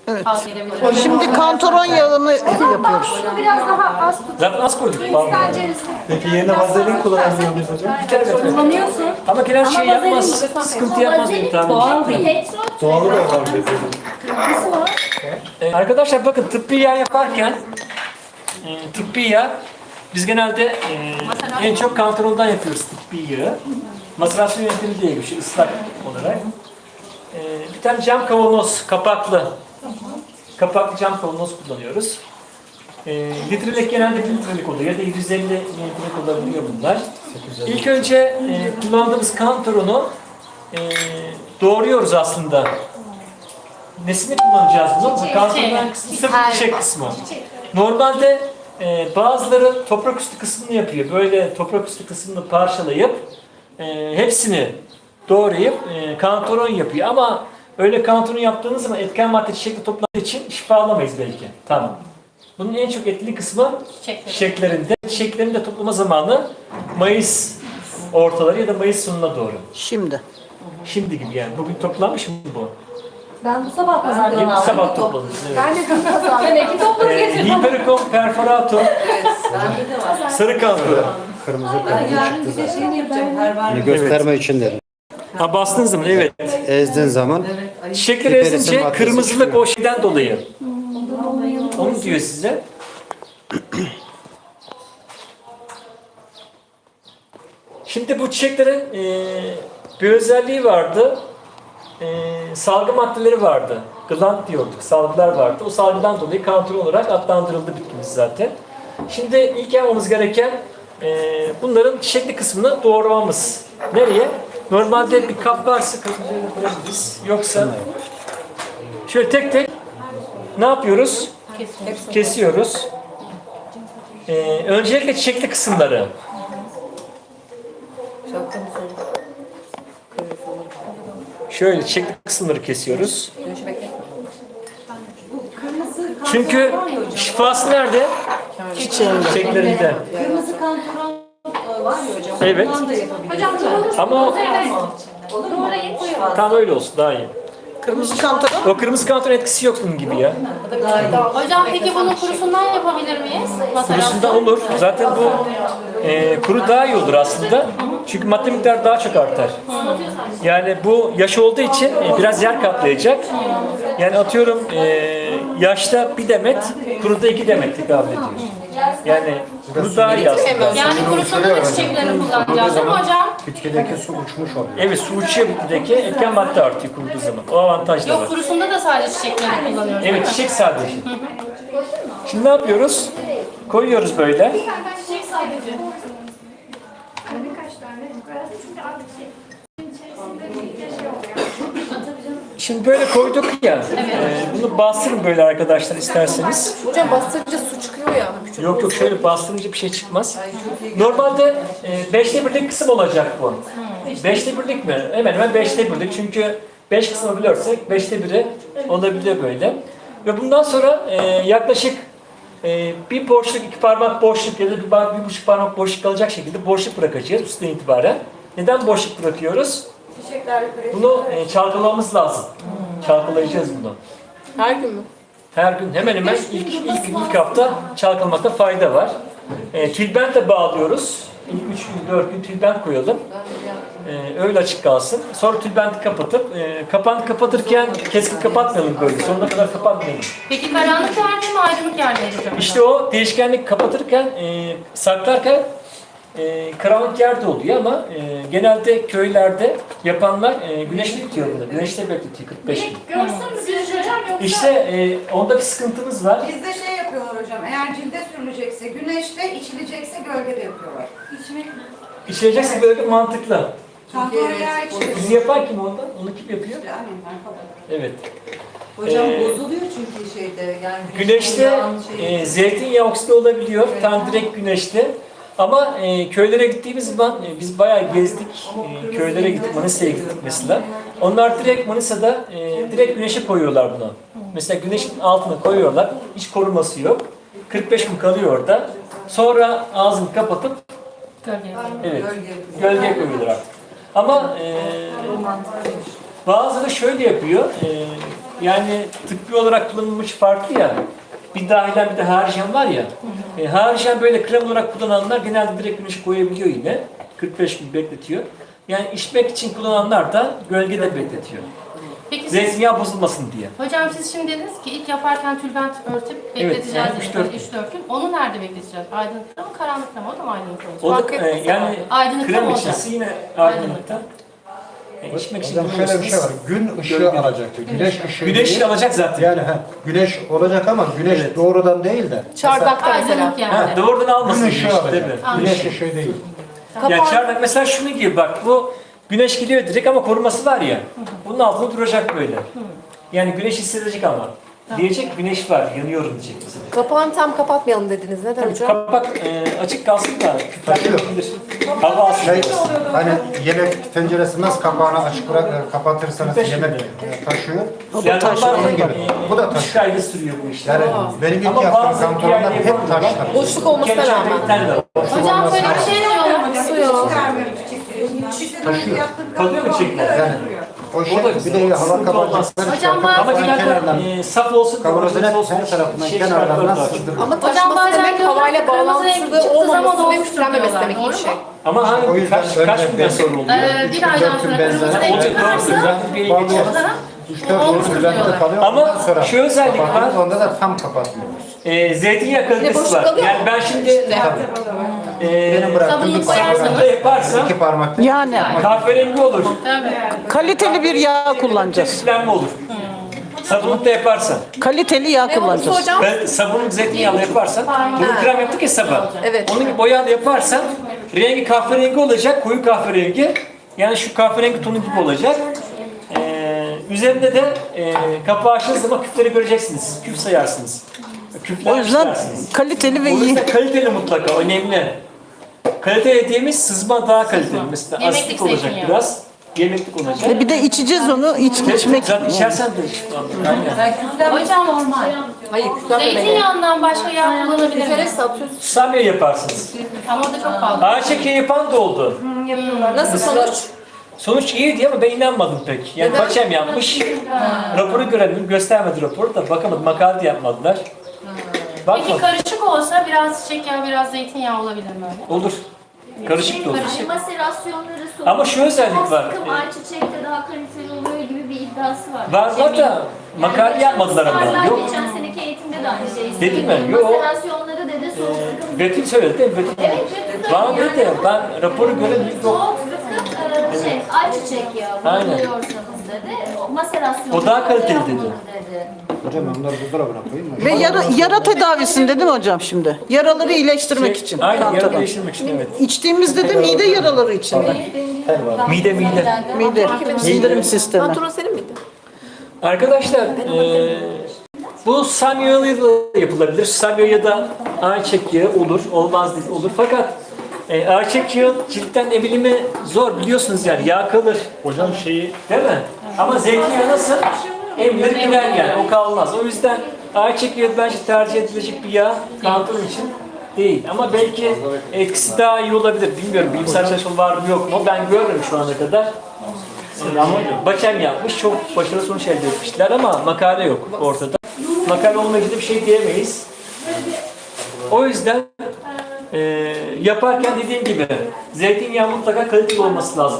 Evet. Verebilirim. Şimdi kantaron yağını yapıyoruz. Bunu biraz daha az tut. Zaten az koyduk. Pardon. İsterseniz Peki yerine vazelin kullanabiliyor muyuz hocam? kullanıyorsun. Ama genel şey Ama yapmaz. vazelin- Sıkıntı yapmaz benim tahminim. Doğal değil. Doğalı da var dedi. Arkadaşlar bakın tıbbi yağ yaparken tıbbi yağ biz genelde en çok kantarondan yapıyoruz tıbbi yağı. Maserasyon yöntemi diye bir şey ıslak olarak. Bir tane cam kavanoz kapaklı cam kavanoz kullanıyoruz. Litrelik genelde 1 litrelik oluyor ya da 750 mililitrelik olabiliyor bunlar. İlk önce kullandığımız kantaronu doğruyoruz aslında. Nesini kullanacağız bunu? Kantaronun kısmı sırf çiçek kısmı. Normalde bazıları toprak üstü kısmını yapıyor. Böyle toprak üstü kısmını parçalayıp hepsini doğrayıp kantaron yapıyor. Ama öyle kantaron yaptığınız zaman etken madde çiçekle toplandığı için şifalamayız belki. Tamam. Bunun en çok etkili kısmı çiçeklerinde. Çiçeklerin de toplama zamanı Mayıs ortaları ya da Mayıs sonuna doğru. Şimdi. Şimdi gibi yani. Bugün toplanmış mı bu? Ben bu sabah pazardan aldım. Sabah topladınız. Evet. Ben de dün pazardan. Ben iki topladım getirdim. Hipericum perforatum. Sarı kantaron. Kırmızı Yarın bir de şeyini yapacağım. Hani gösterme için dedim. Ha bastığın zaman evet. Ezdiğin zaman Çiçekleri Hipericum ezince maddesi kırmızılık çıkıyor. o şeyden dolayı. Onu diyor size. Şimdi bu çiçeklerin bir özelliği vardı. Salgı maddeleri vardı. Gland diyorduk. Salgılar vardı. O salgıdan dolayı kantaron olarak adlandırıldı bitkimiz zaten. Şimdi ilk yapmamız gereken bunların çiçekli kısmını doğramamız. Nereye? Normalde bir kap varsa kapın üzerine koyabiliriz. Yoksa şöyle tek tek ne yapıyoruz? Kesiyoruz. Öncelikle çiçekli kısımları. Şöyle çiçekli kısımları kesiyoruz. Çünkü şifası nerede? Çiçeklerinde. Kırmızı kantaron var ya hocam. Evet. Ondan da yapabiliriz. Hocam doğru. Ama o Doğrayın koyalım. tam öyle olsun daha iyi. Kırmızı kantaron. O kırmızı kantaron etkisi yok bunun gibi ya. Hocam peki bunun kurusundan yapabilir miyiz? Kurusunda olur. Zaten bu kuru daha iyi olur aslında. Çünkü madde miktarı daha çok artar. Yani bu yaş olduğu için biraz yer kaplayacak. Yani atıyorum yaşta bir demet, kuruda 2 demet tekabül ediyor. Yani kuru daha iyi aslında. Yani kurusunda da çiçeklerini kullanacağız değil mi hocam? bitkideki su uçmuş oluyor. Evet su uçuyor bitkideki etken madde artıyor kuruduğu zaman. O avantaj da var. Yok kurusunda da sadece çiçeklerini kullanıyoruz. Evet çiçek sadece. Şimdi ne yapıyoruz? Koyuyoruz böyle. Çiçek sadece. Şimdi böyle koyduk ya. Bunu bastırın böyle arkadaşlar isterseniz. Hocam bastırınca su çıkıyor ya. Yok yok şöyle bastırınca bir şey çıkmaz. Normalde 5'te 1'lik kısım olacak bu. 5'te 1'lik mi? Hemen hemen 5'te 1'lik. Çünkü 5 kısmı bilirsek 5'te 1'i olabiliyor böyle. Ve bundan sonra yaklaşık bir boşluk, 2 parmak boşluk ya da bir buçuk parmak boşluk kalacak şekilde boşluk bırakacağız üstten itibaren. Neden boşluk bırakıyoruz? Bunu çalkalamamız lazım. Çalkalayacağız bunu. Her gün mü? Her gün hemen hemen ilk hafta çalkalamakta fayda var. Tülbentle bağlıyoruz. İlk 3 gün 4 gün tülbent koyalım. Öyle açık kalsın. Sonra tülbenti kapatıp kapağını kapatırken keskin kapatmayalım böyle. Sonuna kadar kapatmayalım. Peki karanlık yerde mi aydınlık yerde mi hocam? İşte o değişkenlik kapatırken saklarken karanlık yerde oluyor ama genelde köylerde yapanlar güneşli tutuyor bunu. Güneşte bekletiyor 45 gün. Görsün mü güneş hocam yoksa? İşte onda bir sıkıntımız var. Bizde şey yapıyorlar hocam, eğer cilde sürülecekse güneşte, içilecekse gölgede yapıyorlar. İçmek mi? İçilecekse böyle mantıklı. Kantaron yağı içilir. Bizi yapan kim ondan? Onu kim yapıyor? Yani ben falan. Evet. Hocam Ee, bozuluyor çünkü şeyde yani Güneşte zeytinyağı oksidi olabiliyor. Tam direkt güneşte. Ama köylere gittiğimiz zaman biz bayağı gezdik. Köylere gittik, Manisa'ya gittik mesela. Onlar direkt Manisa'da direkt güneşe koyuyorlar bunu. Mesela güneşin altına koyuyorlar. Hiç koruması yok. 45 gün kalıyor orada. Sonra ağzını kapatıp evet, gölgeye koyuyorlar artık. Ama bazıları şöyle yapıyor. yani tıbbi olarak kullanılmış farklı ya. Bir dahilen bir de haricen var ya. Haricen böyle krem olarak kullananlar genelde direkt güneşe koyabiliyor yine. 45 gün bekletiyor. Yani içmek için kullananlar da gölgede bekletiyor. Peki siz, Zeytinyağı bozulmasın diye. hocam siz şimdi dediniz ki ilk yaparken tülbent örtüp bekleteceğiz. yani dediniz, 3-4 gün. 3-4 gün. Onu nerede bekleteceğiz? Aydınlıkta mı, karanlıkta mı? O da mı aydınlıkta olacak? O da Fark etmez yani Aydınlıkta krem mı olacak? içisi yine aydınlıkta. İçmek için Hocam şöyle bir şey var. kullanıyorsunuz. Gün ışığı Gölge. alacaktı. Güneş ışığı Güneş değil. alacak zaten. Yani güneş olacak ama güneş doğrudan değil de. Çardakta mesela. Aydınlık yani. Ha, doğrudan almasın Gün güneş, ışığı değil alacak. mi? Güneş ışığı değil. Ya çardak mesela şunu gibi bak, bu güneş geliyor direkt ama koruması var ya, bunun altında duracak böyle. Yani güneş hissedecek ama. Diyecek güneş var, yanıyorum diyecek mesela. Kapağını tam kapatmayalım dediniz. Neden hocam? Kapak açık kalsın da Taşıyor. küflenmeyebilir. Hava alsın. Şey, hani yemek tenceresi nasıl kapağını açık kapatırsanız yemek taşıyor. Yani taşıyor. onlar Onun gibi. Bu da 3 taşıyor. ayda sürüyor bu işler. Yani benim ilk Ama yaptığım bazı kantonlar diğer hep yapımlar taşlar. Boşluk olmasına kendi rağmen. çörekten de var. Hocam şöyle bir şey diyorlar. Su yok. Taşıyor. Kalıyor mu çiçekler? Yani o şey O da güzel. bir de hava Sıkıntı olmaz. kapatacakları Hocam şey, bazı Ama kapatacakları kenardan kenardan. saf olsun, Kavanozun kıvırcık olsun, her tarafından şey kenarlardan şartları var. sızdırıyor. Ama Hocam taşması bazen demek diyorlar havayla ki kırmızı bağlantısız renk çıktığı zaman olmaması ve doğru üflenmemesi diyorlar, demek doğru iyi mu? şey. Ama O hangi yüzden kaç günden sonra oluyor? Bir aydan sonra kırmızı renk Olacak, çıkarsa doğru. Bir o geçer. zaman 3-4 olmuş gün üzerinde diyorlar. kalıyor. Ama Ondan sonra şu özellik var. kapatıyoruz, onda da tam kapatmıyoruz. Zeytinyağı kalitesi boşluk var. alıyor Yani mu? ben şimdi Benim bıraktığım Sabunluk bir koyarsanız- sabunla yaparsam 2 parmak. Yani kahverengi olur. kaliteli bir yağ kullanacağız. Küflenme olur. Sabunlukta yaparsan. Kaliteli yağ kullanacağız. Hocam. Ben sabunluk zeytinyağlı yaparsan, bunu krem yaptık ya sabah. Evet. Onun gibi boyalı yaparsan, rengi kahverengi olacak, koyu kahverengi. Yani şu kahverengi tonu gibi olacak. Üzerinde de kapağı açtığınız zaman küfleri göreceksiniz. Küf sayarsınız. Küfler O yüzden istersiniz. kaliteli ve O iyi. yüzden kaliteli mutlaka, önemli. Kalite dediğimiz sızma daha kaliteli. Mesela Yemeklik asitlik olacak zeytinyağı. biraz. Yemeklik olacak. Bir de içeceğiz onu, içmek. Zaten içersen de Aynen. Hocam normal. Hayır, küflenmemeli. Zeytinyağından başka yağ kullanabilir Küfere miyiz? satıyorsun. Samya yaparsınız. Ama o da çok pahalı. Ayçiçeği yapan da oldu. Nasıl sonuç? Sonuç iyiydi ama ben inanmadım pek. Yani Paçem yapmış. Raporu göremedim, göstermedi raporu da bakamadım. Makale de yapmadılar. Peki Bakmadım. karışık olsa biraz çiçek yağı, biraz zeytinyağı olabilir mi öyle? Olur. Karışık da olur. Maserasyonları soğuk. Ama şu özellik var. Sıkım ayçiçekte daha kaliteli oluyor gibi bir iddiası var. Var da makale yapmadılar ama. Ustalar Yok. geçen seneki eğitimde de aynı şeyi Dedi mi? söyledi. Yok. Maserasyonları dedi soğuk sıkım. Betül söyledi değil mi? Betül. Evet, Betül Bana söyledi. dedi ya, ben raporu göremedim. Yok. Soğuk sıkım ayçiçek yağı Aynen. buluyorsanız dedi. Maserasyonları O daha kaliteli yapılır dedi. Hocam ben bunları buzdolabına koyayım mı? Ve yara tedavisinde değil mi hocam şimdi? Yaraları iyileştirmek için. Aynen, yarı kantaron. değiştirmek için evet. İçtiğimizde de mide yaraları içinde. Mide. Mide, sindirim sistemi. Pantolon senin miydi? Arkadaşlar, bu samyayla da yapılabilir. Samya ya da ayçiçek yağı olur, olmaz değil, olur. Fakat ayçiçek yağı ciltten emilimi zor biliyorsunuz yani, yağ kalır. Hocam şeyi Değil mi? Ama zeytinyağı nasıl? Emilir gider yani, o kalmaz. O yüzden ayçiçek yağı bence tercih edilecek bir yağ, kanton için değil. Ama belki etkisi daha iyi olabilir. Bilmiyorum, bilimsel çalışma var mı yok mu? Ben görmedim şu ana kadar. Ama Bakem yapmış, çok başarılı sonuç elde etmişler ama makale yok ortada. Makale olmayınca da bir şey diyemeyiz. O yüzden yaparken dediğim gibi zeytinyağı mutlaka kaliteli olması lazım.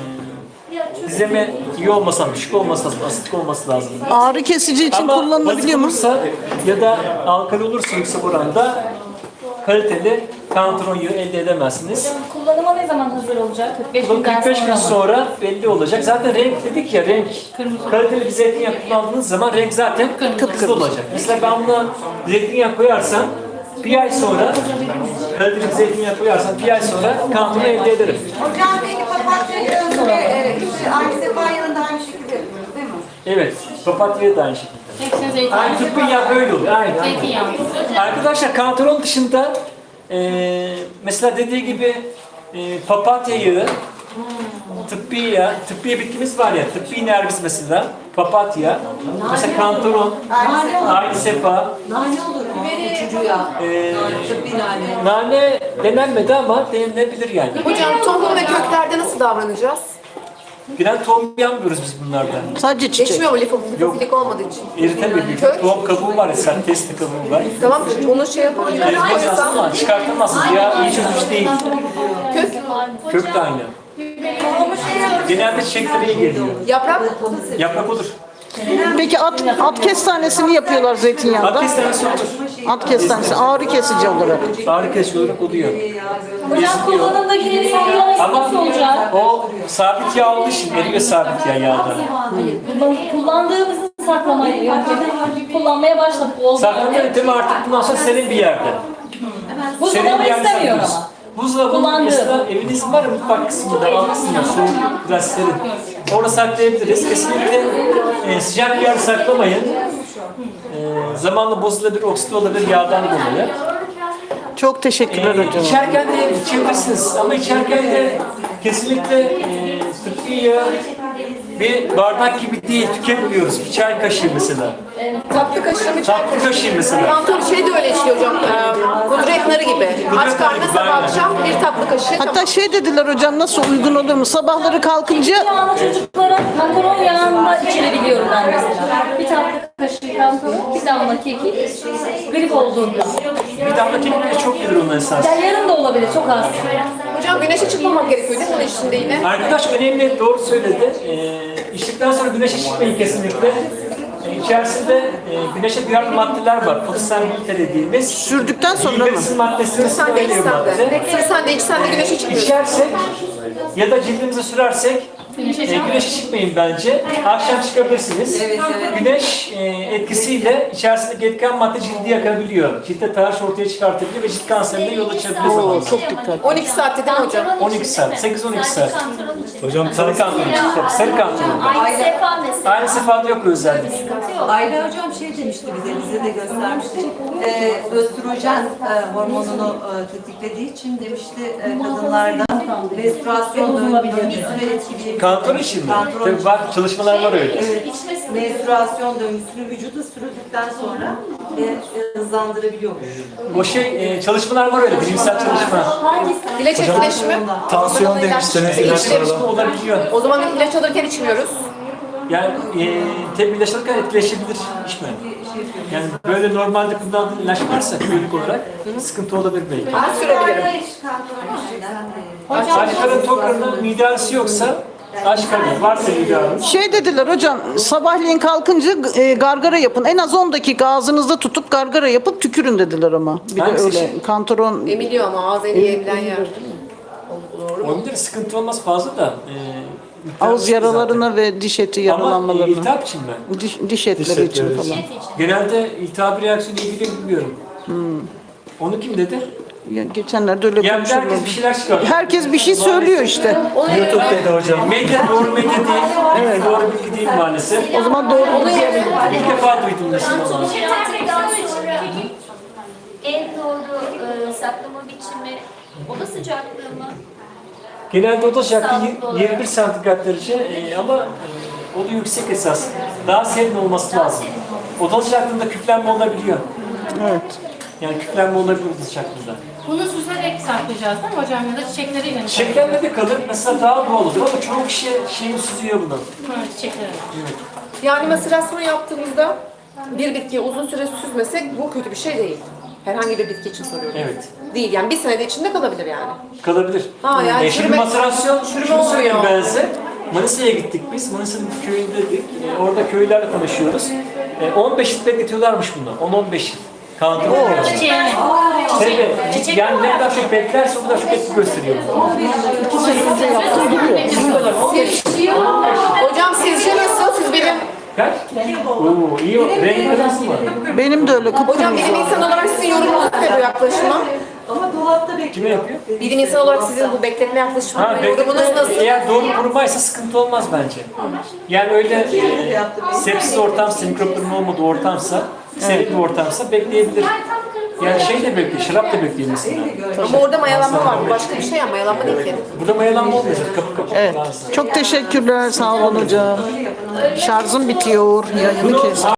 Dizeme iyi olması lazım, düşük olması lazım, asitlik olması lazım. Ağrı kesici için Ama kullanılabiliyor mu? basit olursa ya da alkali olursa yüksek oranda kaliteli kantaron yağı elde edemezsiniz. Kullanıma ne zaman hazır olacak? 45 Bu 45 gün sonra belli olacak. Zaten renk dedik ya, renk. Kaliteli bir zeytinyağı kullandığınız zaman renk zaten kırmızı olacak. Mesela ben buna zeytinyağı koyarsam bir ay sonra, kaliteli bir zeytinyağı koyarsam bir ay sonra kantaron elde ederim. Hocam peki papatya yağını ve aynı sefa yağını da aynı şekilde yapıyoruz değil mi? Evet, papatya da aynı şekilde. Hepsine zeytinyağı. Aynı tıbbı yağı böyle oluyor. Aynen. Zeytinyağı. Arkadaşlar kantaron dışında mesela dediği gibi papatya yağı, tıbbi yağ, tıbbi bitkimiz var ya, tıbbi nergis mesela, papatya, mesela kantaron, aynı sefa, Nane olur mu? Uçucu ya. Tıbbi nane. nane denenmedi ama denilebilir yani. Hocam tohum ve köklerde nasıl davranacağız? Biren tohum yapmıyoruz biz bunlardan. Sadece çiçek. Geçmiyor mu lifofilik olmadığı için? Eritemiyor. Bir Kök. tohum kabuğu var ya, sen testi kabuğu var. Tamam onu şey yapalım. Eritmez aslında, çıkartamazsınız. Ya iyi çözmüş değil. Kök, Kök de aynı. Genelde çiçeklere iyi geliyor. yaprak. Yaprak olur. Peki at kestanesini yapıyorlar zeytinyağında. At kestanesi olur. At kestanesi ağrı kesici olarak. Ağrı kesici olarak oluyor. Hocam kullanımdaki sallaması Ama nasıl olacak? o sabit yağ olduğu için eriyor sabit yağda. Kullandığımızı saklamayı önceden kullanmaya başladık. Oldu. Saklama yöntemi artık bundan sonra senin bir yerde. Buzdolabı istemiyorum ama. Buzdolabının Kullandığım. mesela evinizin var ya mutfak kısmında, alt kısmında, soğuk biraz serin. Orada saklayabiliriz. Kesinlikle sıcak bir yer saklamayın. Zamanla bozulabilir, oksit olabilir yağdan dolayı. Çok teşekkürler hocam. İçerken de içebilirsiniz ama içerken de kesinlikle tıbbi yağı bir bardak gibi değil, tüketmiyoruz. Bir çay kaşığı mesela. Tatlı kaşığı mı? Tatlı kaşığı mesela. Kantor şey de öyle içiyor hocam. Kudret narı gibi. Aç narı karnına gibi, sabah aynen. akşam bir tatlı kaşığı. Hatta şey dediler hocam, nasıl uygun olur mu? Sabahları kalkınca Yağını çocuklara kantaron yağında içirebiliyorum ben mesela. Bir tatlı kaşığı kantaron, bir damla kekik, grip olduğunda. Bir damla kekik de çok gelir onun esas. Yani yarım da olabilir, çok az. Hocam güneşe çıkmamak gerekiyor değil mi bunun içinde yine? Arkadaş önemli, doğru söyledi. İçtikten sonra güneşe çıkmayın kesinlikle. İçerisinde güneşe duyarlı maddeler var. Fotosenbilite dediğimiz. sürdükten sonra mı? Bilirsin maddesini Sen de veriyor içsen madde. de. Sen de içsen de güneşe çıkmıyorsun. İçersek ya da cildimize sürersek güneşe çıkmayın bence. Akşam çıkabilirsiniz. Güneş etkisiyle içerisindeki etken madde cildi yakabiliyor. Ciltte taş ortaya çıkartabiliyor ve cilt kanserine yol açabilir zamanla. Çok dikkat. 12 saatte değil mi hocam? 12 saat, 8-12 saat. Hocam Sarı kantarın çıkıyor. Sarı kantarın. Aynı sefa mesela. Aynı sefada yok özellik. Ayla hocam şey demişti bize de göstermişti. Östrojen hormonunu tetiklediği için demişti kadınlarda menstruasyon döngüsünü etkileyebilir. Kantar için mi? Kantar Tabii için. var, çalışmalar var öyle. Evet, menstruasyon döngüsünü vücuda sürdükten sonra hızlandırabiliyormuş. O çalışmalar var öyle, bilimsel çalışma. İlaç etkileşimi. Tansiyon demiştiniz, ilaçlarla. Olabiliyor. O zaman ilaç alırken içmiyoruz. Yani tabii ilaçlarken etkileşebilir, içme. Yani böyle normalde kullandığın ilaç varsa kronik olarak sıkıntı olabilir belki. Ben sürebilirim. Aç karın tok karın mide ağrısı yoksa aç karın varsa mide ağrısı. Şey dediler hocam, sabahleyin kalkınca gargara yapın. En az 10 dakika ağzınızda tutup gargara yapıp tükürün dediler ama. Bir de Hangisi öyle şey? kantaron Emiliyor ama ağız en iyi emilen yer. Olabilir, sıkıntı olmaz fazla da. ağız yaralarına ve diş eti Ama yaralanmalarına. iltihap için mi? Diş etleri için etleri falan. Genelde iltihap reaksiyonu ilgili bilmiyorum. Onu kim dedi? Ya, geçenlerde öyle Yani konuşuyorlar. herkes bir şeyler çıkartıyor. Herkes bir şey söylüyor işte. YouTube'daydı hocam. Medya doğru medya değil, doğru bilgi değil maalesef. O zaman doğru İlk defa duydum mesela. En doğru saklama biçimi oda sıcaklığı mı? Genelde oda sıcaklığı 21 santigrat derece ama o da yüksek esas. Daha serin olması lazım. Oda sıcaklığında küflenme olabiliyor. Evet. Yani küflenme olabilir oda sıcaklığında. Bunu süzerek saklayacağız değil mi hocam? Ya da çiçekleri mi? Çiçeklenme de kalır. Mesela daha doğal olur ama çoğu kişi şeyini süzüyor bunu. Çiçekleri. Yani maserasyon yaptığımızda bir bitkiyi uzun süre süzmesek bu kötü bir şey değil. Herhangi bir bitki için soruyorum. Evet. Değil yani bir senede içinde kalabilir yani. Kalabilir. Ha, yani Şimdi çürüme- maserasyon, çürüme şunu söyleyeyim olmuyor. ben size. Manisa'ya gittik biz. Manisa'nın bir köyündeydik. Orada köylülerle konuşuyoruz. 15 yıl bekletiyorlarmış bunu. 10-15 yıl. Kantar. Çiçeğini. Tabii. Yani ne kadar çok beklerse o kadar çok etki gösteriyor. Hocam sizce nasıl? Siz benim Kaç? Oo, iyi. Renk kırmızı mı? Benim de öyle hocam kıpkırmızı. bilim insanı olarak sizin yorumunuz ne bu yaklaşıma? Ama dolapta bekliyor. Kime yapıyor? Bilim insanı olarak sizin bu bekletme yaklaşımına yorumunuz bekletme, nasıl? eğer doğru kurumaysa sıkıntı olmaz bence. Yani öyle sepsis ortamsa, mikropların olmadığı ortamsa, serin bir ortamsa bekleyebilir. Yani şey de bekliyor, şarap da bekliyor mesela. Ama orada mayalanma var. Bu başka bir şey ya mayalanma değil ki. Burada mayalanma olmuyor. Kapı kapı Evet. lazım. Çok teşekkürler. Sağ olun hocam. Şarjım bitiyor. Yayını kes.